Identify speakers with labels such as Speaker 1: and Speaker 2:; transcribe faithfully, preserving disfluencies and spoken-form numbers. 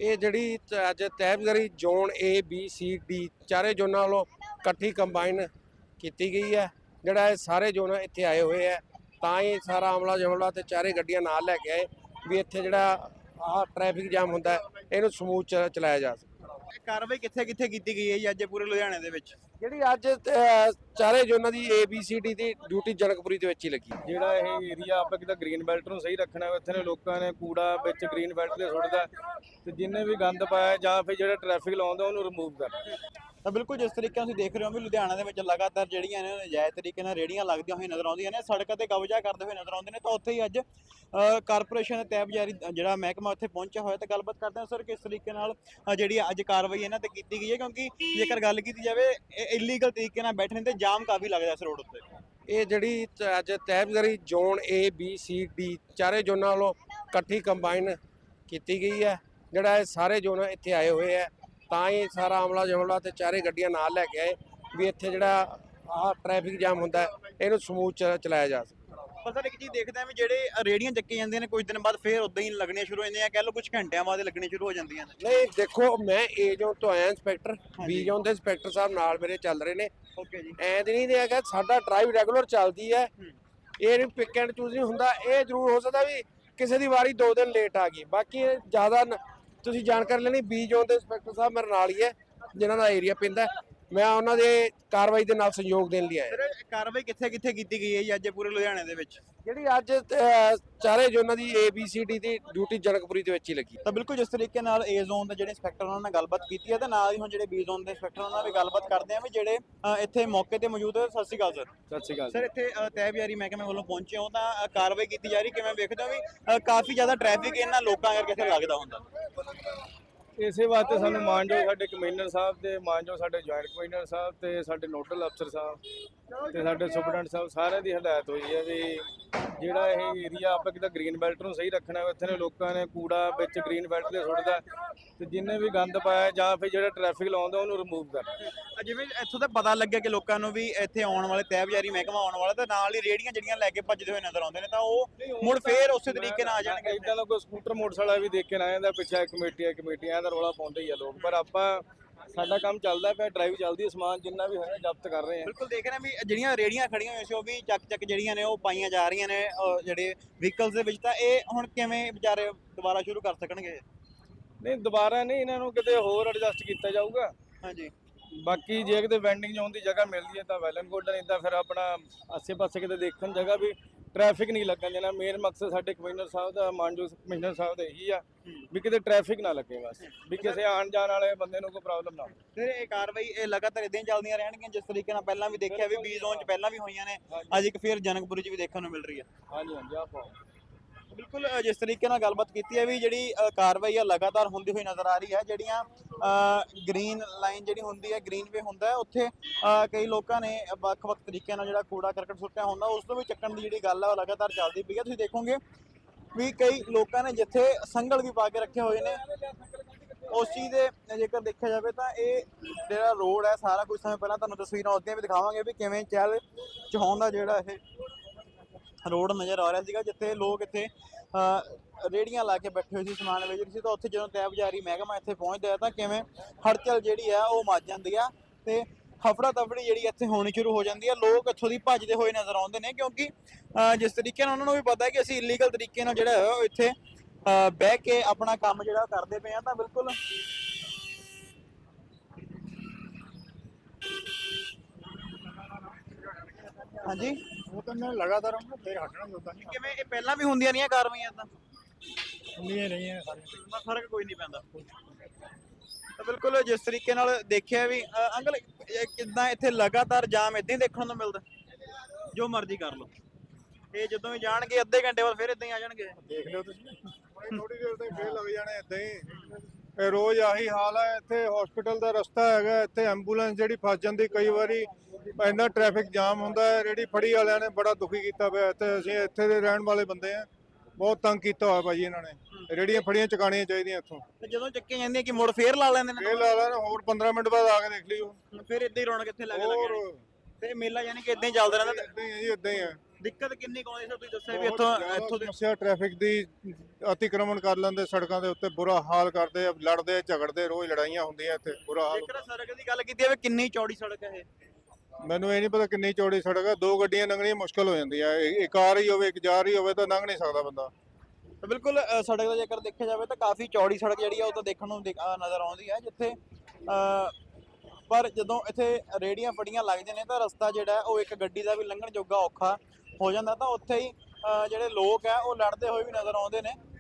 Speaker 1: ਇਹ ਜਿਹੜੀ ਤ- ਅੱਜ ਤਹਿਬਜ਼ਾਰੀ zone A B C D ਚਾਰੇ ਜ਼ੋਨਾਂ ਵੱਲੋਂ ਇਕੱਠੀ ਕੰਬਾਈਨ ਕੀਤੀ ਗਈ ਹੈ। ਜਿਹੜਾ ਇਹ ਸਾਰੇ ਜ਼ੋਨ ਇੱਥੇ ਆਏ ਹੋਏ ਹੈ, ਤਾਂ ਹੀ ਸਾਰਾ ਅਮਲਾ ਜਮਲਾ ਤੇ ਚਾਰੇ ਗੱਡੀਆਂ ਨਾਲ ਲੈ ਕੇ ਆਏ ਵੀ ਇੱਥੇ ਜਿਹੜਾ ਆਹ ਟ੍ਰੈਫਿਕ ਜਾਮ ਹੁੰਦਾ ਹੈ, ਇਹਨੂੰ ਸਮੂਥ ਚ ਚਲਾਇਆ ਜਾ ਸਕੇ।
Speaker 2: ਇਹ ਕਾਰਵਾਈ ਕਿੱਥੇ ਕਿੱਥੇ ਕੀਤੀ ਗਈ ਹੈ ਜੀ ਅੱਜ ਪੂਰੇ ਲੁਧਿਆਣੇ ਦੇ ਵਿੱਚ?
Speaker 1: ਜਿਹੜੀ ਅੱਜ ਅ, ਚਾਰੇ ਜ਼ੋਨਾਂ ਦੀ ਏ ਬੀ ਸੀ ਡੀ ਦੀ ਡਿਊਟੀ ਜਨਕਪੁਰੀ ਦੇ ਵਿੱਚ ਹੀ ਲੱਗੀ।
Speaker 3: ਜਿਹੜਾ ਇਹ ਏਰੀਆ ਆਪਾਂ ਕਿਤੇ ਗ੍ਰੀਨ ਬੈਲਟ ਨੂੰ ਸਹੀ ਰੱਖਣਾ ਹੈ, ਇੱਥੇ ਦੇ ਲੋਕਾਂ ਨੇ ਕੂੜਾ ਵਿੱਚ ਗ੍ਰੀਨ ਬੈਲਟ ਤੇ ਸੁੱਟਦਾ ਤੇ ਜਿੰਨੇ ਵੀ ਗੰਦ ਪਾਇਆ ਜਾਂ ਫਿਰ ਜਿਹੜਾ ਟ੍ਰੈਫਿਕ ਲਾਉਂਦਾ ਉਹਨੂੰ ਰਿਮੂਵ ਕਰ।
Speaker 2: ਤਾਂ ਬਿਲਕੁਲ ਜਿਸ ਤਰੀਕੇ ਨਾਲ ਤੁਸੀਂ ਦੇਖ ਰਹੇ ਹੋ ਵੀ ਲੁਧਿਆਣਾ ਦੇ ਵਿੱਚ ਲਗਾਤਾਰ ਜਿਹੜੀਆਂ ਨੇ ਨਜਾਇਜ਼ ਤਰੀਕੇ ਨਾਲ ਰੇੜੀਆਂ ਲੱਗਦੀਆਂ ਹੋਈਆਂ ਨਜ਼ਰ ਆਉਂਦੀਆਂ ਨੇ, ਸੜਕਾਂ ਤੇ ਕਬਜ਼ਾ ਕਰਦੇ ਹੋਏ ਨਜ਼ਰ ਆਉਂਦੇ ਨੇ। ਤਾਂ ਉੱਥੇ ਹੀ ਅੱਜ ਕਾਰਪੋਰੇਸ਼ਨ ਦੇ ਤਹਿਬਜ਼ਾਰੀ ਜਿਹੜਾ ਮਹਿਕਮਾ ਉੱਥੇ ਪਹੁੰਚਿਆ ਹੋਇਆ, ਤਾਂ ਗੱਲਬਾਤ ਕਰਦੇ ਹਾਂ ਸਰ ਕਿਸ ਤਰੀਕੇ ਨਾਲ ਅ, ਜਿਹੜੀ ਅੱਜ ਕਾਰਵਾਈ ਇਹਨਾਂ ਤੇ ਕੀਤੀ ਗਈ ਹੈ, ਕਿਉਂਕਿ ਜੇਕਰ ਗੱਲ ਕੀਤੀ ਜਾਵੇ ਇਲੀਗਲ ਤਰੀਕੇ ਨਾਲ ਬੈਠਣੇ ਤੇ ਜਾਮ ਕਾਫੀ ਲੱਗਦਾ ਇਸ ਰੋਡ ਉੱਤੇ।
Speaker 1: ਇਹ ਜਿਹੜੀ ਤ- ਅੱਜ ਤਹਿਬਜ਼ਾਰੀ zone A B C D ਚਾਰੇ ਜ਼ੋਨਾਂ ਵੱਲੋਂ ਇਕੱਠੀ ਕੰਬਾਈਨ ਕੀਤੀ ਗਈ ਹੈ। ਜਿਹੜਾ ਇਹ ਸਾਰੇ ਜ਼ੋਨ ਇੱਥੇ ਆਏ ਹੋਏ ਹੈ, ਤਾਂ ਹੀ ਸਾਰਾ ਅਮਲਾ ਜਮਲਾ ਤੇ ਚਾਰੇ ਗੱਡੀਆਂ ਨਾਲ ਲੈ ਕੇ ਆਏ ਵੀ ਇੱਥੇ ਜਿਹੜਾ ਆਹ ਟ੍ਰੈਫਿਕ ਜਾਮ ਹੁੰਦਾ ਹੈ, ਇਹਨੂੰ ਸਮੂਥ ਚ ਚਲਾਇਆ ਜਾ ਸਕੇ।
Speaker 2: ਪਰ ਸਰ ਇੱਕ ਚੀਜ਼ ਦੇਖਦੇ ਆ ਵੀ ਜਿਹੜੇ ਰੇੜੀਆਂ ਚੱਕੀ ਜਾਂਦੀਆਂ ਨੇ ਕੁਝ ਦਿਨ ਬਾਅਦ ਫੇਰ ਉਦਾਂ ਹੀ ਲੱਗਣੀਆਂ ਸ਼ੁਰੂ ਹੋ ਜਾਂਦੀਆਂ, ਕਹਿ ਲਓ ਕੁਝ ਘੰਟਿਆਂ ਬਾਅਦ ਲੱਗਣੀਆਂ ਸ਼ੁਰੂ ਹੋ ਜਾਂਦੀਆਂ ਨੇ।
Speaker 1: ਨਹੀਂ ਦੇਖੋ, ਮੈਂ ਏ ਜ਼ੋਨ ਤੋਂ ਆਇਆ ਇੰਸਪੈਕਟਰ, ਬੀ ਜ਼ੋਨ ਦੇ ਇੰਸਪੈਕਟਰ ਸਾਹਿਬ ਨਾਲ ਮੇਰੇ ਚੱਲ ਰਹੇ ਨੇ।
Speaker 2: ਓਕੇ ਜੀ।
Speaker 1: ਐਂ ਤੇ ਨਹੀਂ ਹੈਗਾ, ਸਾਡਾ ਡਰਾਈਵ ਰੈਗੂਲਰ ਚੱਲਦੀ ਹੈ, ਇਹ ਨਹੀਂ ਪਿਕ ਐਂਡ ਚੂਜ਼ ਨਹੀਂ ਹੁੰਦਾ। ਇਹ ਜ਼ਰੂਰ ਹੋ ਸਕਦਾ ਵੀ ਕਿਸੇ ਦੀ ਵਾਰੀ ਦੋ ਦਿਨ ਲੇਟ ਆ ਗਈ, ਬਾਕੀ ਇਹ ਜ਼ਿਆਦਾ ਨ- ਤੁਸੀਂ ਜਾਣਕਾਰੀ ਲੈਣੀ ਬੀ ਜ਼ੋਨ ਦੇ ਇੰਸਪੈਕਟਰ ਸਾਹਿਬ ਮੇਰੇ ਨਾਲ ਹੀ ਹੈ, ਜਿਨ੍ਹਾਂ ਦਾ ਏਰੀਆ ਪੈਂਦਾ, ਮੈਂ ਉਹਨਾਂ ਦੇ ਕਾਰਵਾਈ ਦੇ ਨਾਲ ਸਹਿਯੋਗ ਦੇਣ ਲਈ ਆਇਆ।
Speaker 2: ਸਰ ਇਹ ਕਾਰਵਾਈ ਕਿੱਥੇ ਕਿੱਥੇ ਕੀਤੀ ਗਈ ਹੈ ਜੀ ਅੱਜ ਪੂਰੇ ਲੁਧਿਆਣੇ ਦੇ ਵਿੱਚ?
Speaker 1: ਜਿਹੜੀ ਅੱਜ ਅ, ਚਾਰੇ ਜ਼ੋਨਾਂ ਦੀ ਏ ਬੀ ਸੀ ਡੀ ਦੀ ਡਿਊਟੀ ਜਨਕਪੁਰੀ ਦੇ ਵਿੱਚ ਹੀ ਲੱਗੀ।
Speaker 2: ਤਾਂ ਬਿਲਕੁਲ ਜਿਸ ਤਰੀਕੇ ਨਾਲ ਏ ਜ਼ੋਨ ਦੇ ਜਿਹੜੇ ਇੰਸਪੈਕਟਰ ਉਹਨਾਂ ਨਾਲ ਗੱਲਬਾਤ ਕੀਤੀ ਹੈ, ਤੇ ਨਾਲ ਹੀ ਹੁਣ ਜਿਹੜੇ ਬੀ ਜ਼ੋਨ ਦੇ ਇੰਸਪੈਕਟਰ ਉਹਨਾਂ ਨਾਲ ਵੀ ਗੱਲਬਾਤ ਕਰਦੇ ਆ ਵੀ ਜਿਹੜੇ ਅ, ਇੱਥੇ ਮੌਕੇ ਤੇ ਮੌਜੂਦ ਹੈ। ਸਤਿ ਸ਼੍ਰੀ ਅਕਾਲ ਸਰ।
Speaker 3: ਸਤਿ ਸ਼੍ਰੀ ਅਕਾਲ।
Speaker 2: ਸਰ ਇੱਥੇ ਅ, ਤਹਿਬਜ਼ਾਰੀ ਮਹਿਕਮੇ ਵੱਲੋਂ ਪਹੁੰਚੇ ਹੋ ਤਾਂ ਅ, ਕਾਰਵਾਈ ਕੀਤੀ ਜਾ ਰਹੀ, ਕਿਵੇਂ ਵੇਖਦੇ ਹੋ ਵੀ ਅ, ਕਾਫੀ ਜ਼ਿਆਦਾ ਟ੍ਰੈਫਿਕ ਇਹਨਾਂ ਲੋਕਾਂ ਕਰਕੇ ਇੱਥੇ ਲੱਗਦਾ ਹੁੰਦਾ?
Speaker 3: ਇਸੇ ਵਾਸਤੇ ਸਾਨੂੰ ਮਾਨਯੋਗ ਸਾਡੇ ਕਮਿਸ਼ਨਰ ਸਾਹਿਬ ਤੇ ਮਾਨਯੋਗ ਸਾਡੇ ਜੁਆਇੰਟ ਕਮਿਸ਼ਨਰ ਸਾਹਿਬ ਤੇ ਸਾਡੇ ਨੋਡਲ ਅਫਸਰ ਸਾਹਿਬ ਤੇ ਸਾਡੇ ਸੁਪਰਡੈਂਟ ਸਾਹਿਬ ਸਾਰਿਆਂ ਦੀ ਹਦਾਇਤ ਹੋਈ ਹੈ ਵੀ ਜਿਹੜਾ ਇਹ ਏਰੀਆ ਆਪਾਂ ਕਿਤੇ ਗ੍ਰੀਨ ਬੈਲਟ ਨੂੰ ਸਹੀ ਰੱਖਣਾ ਹੈ, ਇੱਥੇ ਦੇ ਲੋਕਾਂ ਨੇ ਕੂੜਾ ਵਿੱਚ ਗ੍ਰੀਨ ਬੈਲਟ ਤੇ ਸੁੱਟਦਾ ਤੇ ਜਿੰਨੇ ਵੀ ਗੰਦ ਪਾਇਆ ਜਾਂ ਫਿਰ ਜਿਹੜਾ ਟ੍ਰੈਫਿਕ ਲਾਉਂਦਾ ਉਹਨੂੰ ਰਿਮੂਵ ਕਰ।
Speaker 2: ਅ, ਜਿਵੇਂ ਇੱਥੋਂ ਤਾਂ ਪਤਾ ਲੱਗਿਆ ਕਿ ਲੋਕਾਂ ਨੂੰ ਵੀ ਇੱਥੇ ਆਉਣ ਵਾਲੇ ਤਹਿਬਜ਼ਾਰੀ ਮਹਿਕਮਾ ਆਉਣ ਵਾਲਾ, ਤੇ ਨਾਲ ਹੀ ਰੇੜੀਆਂ ਜਿਹੜੀਆਂ ਲੈ ਕੇ ਭੱਜਦੇ ਹੋਏ ਨਜ਼ਰ ਆਉਂਦੇ ਨੇ, ਤਾਂ ਉਹ ਮੁੜ ਫੇਰ ਉਸੇ ਤਰੀਕੇ ਨਾਲ ਆ ਜਾਣਗੇ।
Speaker 3: ਇਦਾਂ ਦਾ ਕੋਈ ਸਕੂਟਰ ਮੋਟਰਸਾਈਕਲ ਵੀ ਦੇਖ ਕੇ ਨਾ ਜਾਂਦਾ ਪਿੱਛੇ ਕਮੇਟੀ ਹੈ ਕਮੇਟੀ ਐਂ ਦਾ ਰੌਲਾ ਪਾਉਂਦੇ ਹੀ ਆ ਲੋਕ, ਪਰ ਆਪਾਂ ਸਾਡਾ ਕੰਮ ਚੱਲਦਾ ਪਿਆ, ਡਰਾਈਵ ਚੱਲਦੀ ਹੈ, ਸਮਾਨ ਜਿੰਨਾ ਵੀ ਹੋਇਆ ਜ਼ਬਤ ਕਰ ਰਹੇ ਹਾਂ।
Speaker 2: ਬਿਲਕੁਲ ਦੇਖ ਰਹੇ ਹਾਂ ਵੀ ਜਿਹੜੀਆਂ ਰੇੜੀਆਂ ਖੜੀਆਂ ਹੋਈਆਂ ਸੀ ਉਹ ਵੀ ਚੱਕ ਚੱਕ ਜਿਹੜੀਆਂ ਨੇ ਉਹ ਪਾਈਆਂ ਜਾ ਰਹੀਆਂ ਨੇ ਅ, ਜਿਹੜੇ ਵਹੀਕਲਸ ਦੇ ਵਿੱਚ। ਤਾਂ ਇਹ ਹੁਣ ਕਿਵੇਂ ਵਿਚਾਰੇ ਦੁਬਾਰਾ ਸ਼ੁਰੂ ਕਰ ਸਕਣਗੇ?
Speaker 3: ਨਹੀਂ ਦੁਬਾਰਾ ਨਹੀਂ, ਇਹਨਾਂ ਨੂੰ ਕਿਤੇ ਹੋਰ ਐਡਜਸਟ ਕੀਤਾ ਜਾਊਗਾ।
Speaker 2: ਹਾਂਜੀ।
Speaker 3: ਬਾਕੀ ਜੇ ਕਿਤੇ ਵੈਂਡਿੰਗ ਜ਼ੋਨ ਦੀ ਜਗ੍ਹਾ ਮਿਲਦੀ ਹੈ ਤਾਂ ਵੈਲ ਐਂਡ ਗੁੱਡ, ਨਹੀਂ ਤਾਂ ਫਿਰ ਆਪਣਾ ਆਸੇ-ਪਾਸੇ ਕਿਤੇ ਦੇਖਣ ਜਗ੍ਹਾ ਵੀ ਟ੍ਰੈਫਿਕ ਨਹੀਂ ਲੱਗਣ ਦੇਣਾ। ਮੇਨ ਮਕਸਦ ਸਾਡੇ ਕਮਿਸ਼ਨਰ ਸਾਹਿਬ ਦਾ ਮਾਨਯੋਗ ਕਮਿਸ਼ਨਰ ਸਾਹਿਬ ਦਾ ਇਹੀ ਆ ਵੀ ਕਿਤੇ ਟ੍ਰੈਫਿਕ ਨਾ ਲੱਗੇ, ਬਸ ਵੀ ਕਿਸੇ ਆਉਣ ਜਾਣ ਵਾਲੇ ਬੰਦੇ ਨੂੰ ਕੋਈ ਪ੍ਰੋਬਲਮ ਨਾ ਹੋਵੇ।
Speaker 2: ਫਿਰ ਇਹ ਕਾਰਵਾਈ ਇਹ ਲਗਾਤਾਰ ਇਦਾਂ ਹੀ ਚੱਲਦੀਆਂ ਰਹਿਣਗੀਆਂ ਜਿਸ ਤਰੀਕੇ ਨਾਲ ਪਹਿਲਾਂ ਵੀ ਦੇਖਿਆ ਵੀ ਬੀ ਜ਼ੋਨ 'ਚ ਪਹਿਲਾਂ ਵੀ ਹੋਈਆਂ ਨੇ, ਅੱਜ ਇੱਕ ਫਿਰ ਜਨਕਪੁਰੀ 'ਚ ਵੀ ਦੇਖਣ ਨੂੰ ਮਿਲ ਰਹੀ ਹੈ।
Speaker 3: ਹਾਂਜੀ ਹਾਂਜੀ ਆਪਾਂ
Speaker 2: ਬਿਲਕੁਲ ਅ, ਜਿਸ ਤਰੀਕੇ ਨਾਲ ਗੱਲਬਾਤ ਕੀਤੀ ਹੈ ਵੀ ਜਿਹੜੀ ਅ, ਕਾਰਵਾਈ ਆ ਲਗਾਤਾਰ ਹੁੰਦੀ ਹੋਈ ਨਜ਼ਰ ਆ ਰਹੀ ਹੈ। ਜਿਹੜੀਆਂ ਗ੍ਰੀਨ ਲਾਈਨ ਜਿਹੜੀ ਹੁੰਦੀ ਹੈ, ਗ੍ਰੀਨ ਵੇ ਹੁੰਦਾ ਹੈ, ਉੱਥੇ ਅ, ਕਈ ਲੋਕਾਂ ਨੇ ਵੱਖ-ਵੱਖ ਤਰੀਕਿਆਂ ਨਾਲ ਜਿਹੜਾ ਕੂੜਾ ਕਰਕਟ ਸੁੱਟਿਆ ਹੁੰਦਾ, ਉਸ ਤੋਂ ਵੀ ਚੱਕਣ ਦੀ ਜਿਹੜੀ ਗੱਲ ਹੈ ਉਹ ਲਗਾਤਾਰ ਚੱਲਦੀ ਪਈ ਹੈ। ਤੁਸੀਂ ਦੇਖੋਗੇ ਵੀ ਕਈ ਲੋਕਾਂ ਨੇ ਜਿੱਥੇ ਸੰਗਲ ਵੀ ਪਾ ਕੇ ਰੱਖੇ ਹੋਏ ਨੇ, ਉਸ ਚੀਜ਼ ਦੇ ਜੇਕਰ ਦੇਖਿਆ ਜਾਵੇ ਤਾਂ ਇਹ ਜਿਹੜਾ ਰੋਡ ਹੈ ਸਾਰਾ ਕੁਝ ਸਮੇਂ ਪਹਿਲਾਂ ਤੁਹਾਨੂੰ ਤਸਵੀਰਾਂ ਉਸਦੀਆਂ ਵੀ ਦਿਖਾਵਾਂਗੇ ਵੀ ਕਿਵੇਂ ਚੱਲ ਚਹਾਉਂਦਾ ਜਿਹੜਾ ਇਹ ਰੋਡ ਨਜ਼ਰ ਆ ਰਿਹਾ ਸੀਗਾ, ਜਿੱਥੇ ਲੋਕ ਇੱਥੇ ਰੇੜੀਆਂ ਲਾ ਕੇ ਬੈਠੇ ਹੋਏ ਸੀ, ਸਮਾਨ ਵੇਚ ਰਹੇ ਸੀ। ਤਾਂ ਉੱਥੇ ਜਦੋਂ ਤਹਿਬਜ਼ਾਰੀ ਮਹਿਕਮਾ ਇੱਥੇ ਪਹੁੰਚਦਾ ਹੈ ਤਾਂ ਕਿਵੇਂ ਹੜਚਲ ਜਿਹੜੀ ਆ ਉਹ ਮੱਚ ਜਾਂਦੀ ਆ ਤੇ ਹਫੜਾ ਤਫੜੀ ਜਿਹੜੀ ਇੱਥੇ ਹੋਣੀ ਸ਼ੁਰੂ ਹੋ ਜਾਂਦੀ ਹੈ। ਲੋਕ ਇੱਥੋਂ ਦੀ ਭੱਜਦੇ ਹੋਏ ਨਜ਼ਰ ਆਉਂਦੇ ਨੇ, ਕਿਉਂਕਿ ਅ, ਜਿਸ ਤਰੀਕੇ ਨਾਲ ਉਹਨਾਂ ਨੂੰ ਵੀ ਪਤਾ ਹੈ ਕਿ ਅਸੀਂ ਇਲੀਗਲ ਤਰੀਕੇ ਨਾਲ ਜਿਹੜਾ ਹੈ ਉਹ ਇੱਥੇ ਅ, ਬਹਿ ਕੇ ਆਪਣਾ ਕੰਮ ਜਿਹੜਾ ਕਰਦੇ ਪਏ ਆ। ਤਾਂ ਬਿਲਕੁਲ ਹਾਂਜੀ,
Speaker 4: ਉਹ ਤਾਂ ਮੈਂ ਲਗਾਤਾਰ ਹੂੰ, ਫਿਰ ਹਟਣਾ ਨਹੀਂ ਹੁੰਦਾ।
Speaker 2: ਕਿਵੇਂ ਇਹ ਪਹਿਲਾਂ ਵੀ ਹੁੰਦੀਆਂ ਰਹੀਆਂ ਕਾਰਵਾਈਆਂ ਤਾਂ
Speaker 4: ਹੁੰਦੀਆਂ ਨਹੀਂ ਹੈ ਸਾਰੀਆਂ।
Speaker 2: ਨਾ ਫਰਕ ਕੋਈ ਨਹੀਂ ਪੈਂਦਾ। ਤਾਂ ਬਿਲਕੁਲ ਜਿਸ ਤਰੀਕੇ ਨਾਲ ਦੇਖਿਆ ਵੀ ਅ, ਅੰਕਲ ਇਹ ਕਿੱਦਾਂ ਇੱਥੇ ਲਗਾਤਾਰ ਜਾਮ ਇਦਾਂ ਹੀ ਦੇਖਣ ਨੂੰ ਮਿਲਦਾ, ਜੋ ਮਰਜ਼ੀ ਕਰ ਲਓ। ਇਹ ਜਦੋਂ ਵੀ ਜਾਣਗੇ ਅੱਧੇ ਘੰਟੇ ਬਾਅਦ ਫਿਰ ਇਦਾਂ ਹੀ ਆ ਜਾਣਗੇ।
Speaker 4: ਦੇਖ ਲਿਓ ਤੁਸੀਂ, ਥੋੜੀ ਦੇਰ ਤੱਕ ਫੇਰ ਲੱਗ ਜਾਣੇ ਇਦਾਂ ਹੀ। ਇਹ ਰੋਜ਼ ਆਹੀ ਹਾਲ ਹੈ। ਇੱਥੇ ਹਸਪੀਟਲ ਦਾ ਰਸਤਾ ਹੈਗਾ, ਇੱਥੇ ਐਂਬੂਲੈਂਸ ਜਿਹੜੀ ਫਸ ਜਾਂਦੀ ਕਈ ਵਾਰੀ, ਇੰਨਾ ਟ੍ਰੈਫਿਕ ਜਾਮ ਹੁੰਦਾ ਹੈ। ਰੇੜੀ ਫੜੀ ਵਾਲਿਆਂ ਨੇ ਬੜਾ ਦੁਖੀ ਕੀਤਾ ਪਿਆ ਇੱਥੇ। ਅਸੀਂ ਇੱਥੇ ਦੇ ਰਹਿਣ ਵਾਲੇ ਬੰਦੇ ਆ, ਬਹੁਤ ਤੰਗ ਕੀਤਾ ਹੋਇਆ ਭਾਜੀ ਇਹਨਾਂ ਨੇ। ਰੇੜੀਆਂ ਫੜੀਆਂ ਚੁਕਾਣੀਆਂ ਚਾਹੀਦੀਆਂ ਇੱਥੋਂ।
Speaker 2: ਤੇ ਜਦੋਂ ਚੱਕੀਆਂ ਜਾਂਦੀਆਂ ਕਿ ਮੁੜ ਫੇਰ ਲਾ ਲੈਂਦੇ ਨੇ,
Speaker 4: ਫੇਰ ਲਾ ਲੈਣ, ਹੋਰ ਪੰਦਰਾਂ ਮਿੰਟ ਬਾਅਦ ਆ ਕੇ ਦੇਖ ਲਿਓ।
Speaker 2: ਫਿਰ ਇਦਾਂ ਹੀ ਰੌਣਕ ਇੱਥੇ ਲੱਗ
Speaker 4: ਹੋਰ
Speaker 2: ਲੱਗ ਤੇ ਮੇਲਾ ਯਾਨੀ ਕਿ ਇਦਾਂ ਹੀ ਚੱਲਦਾ ਰਹਿੰਦਾ।
Speaker 4: ਇਦਾਂ ਹੀ ਹੈ ਜੀ, ਇਦਾਂ ਹੀ ਹੈ।
Speaker 2: ਦਿੱਕਤ ਕਿੰਨੀ ਕੁ ਆਉਂਦੀ ਸਰ, ਤੁਸੀਂ ਦੱਸਿਆ ਵੀ
Speaker 4: ਬਹੁਤ
Speaker 2: ਇੱਥੋਂ
Speaker 4: ਜ਼ਿਆਦਾ
Speaker 2: ਇੱਥੋਂ ਦੇ
Speaker 4: ਸਮੱਸਿਆ ਟ੍ਰੈਫਿਕ ਦੀ, ਅਤੀਕ੍ਰਮਣ ਕਰ ਲੈਂਦੇ ਸੜਕਾਂ ਦੇ ਉੱਤੇ, ਬੁਰਾ ਹਾਲ ਕਰਦੇ ਆ, ਲੜਦੇ ਝਗੜਦੇ, ਰੋਜ਼ ਲੜਾਈਆਂ ਹੁੰਦੀਆਂ ਇੱਥੇ, ਬੁਰਾ ਹਾਲ।
Speaker 2: ਜੇਕਰ ਸੜਕ ਦੀ ਗੱਲ ਕੀਤੀ ਜਾਵੇ ਕਿੰਨੀ ਚੌੜੀ ਸੜਕ ਹੈ ਇਹ?
Speaker 4: ਮੈਨੂੰ ਇਹ ਨਹੀਂ ਪਤਾ ਕਿੰਨੀ ਚੌੜੀ ਸੜਕ ਹੈ, ਦੋ ਗੱਡੀਆਂ ਲੰਘਣੀਆਂ ਮੁਸ਼ਕਲ ਹੋ ਜਾਂਦੀ ਹੈ, ਇੱਕ ਆ ਰਹੀ ਹੋਵੇ ਇੱਕ ਜਾ ਰਹੀ ਹੋਵੇ ਤਾਂ ਲੰਘ ਨਹੀਂ ਸਕਦਾ ਬੰਦਾ।
Speaker 2: ਤਾਂ ਬਿਲਕੁਲ ਅ, ਸੜਕ ਦਾ ਜੇਕਰ ਦੇਖਿਆ ਜਾਵੇ ਤਾਂ ਕਾਫੀ ਚੌੜੀ ਸੜਕ ਜਿਹੜੀ ਆ ਉਹ ਤਾਂ ਦੇਖਣ ਨੂੰ ਦਿਖ- ਅ, ਨਜ਼ਰ ਆਉਂਦੀ ਹੈ, ਜਿੱਥੇ ਅ, ਪਰ ਜਦੋਂ ਇੱਥੇ ਰੇੜੀਆਂ ਫੜੀਆਂ ਲੱਗਦੇ ਨੇ ਤਾਂ ਰਸਤਾ ਜਿਹੜਾ ਹੈ ਉਹ ਇੱਕ ਗੱਡੀ ਦਾ ਵੀ ਲੰਘਣ ਜੋਗਾ ਔਖਾ ਹੋ ਜਾਂਦਾ, ਤਾਂ ਉੱਥੇ ਹੀ ਅ, ਜਿਹੜੇ ਲੋਕ ਆ ਉਹ ਲੜਦੇ ਹੋਏ ਵੀ ਨਜ਼ਰ ਆਉਂਦੇ ਨੇ।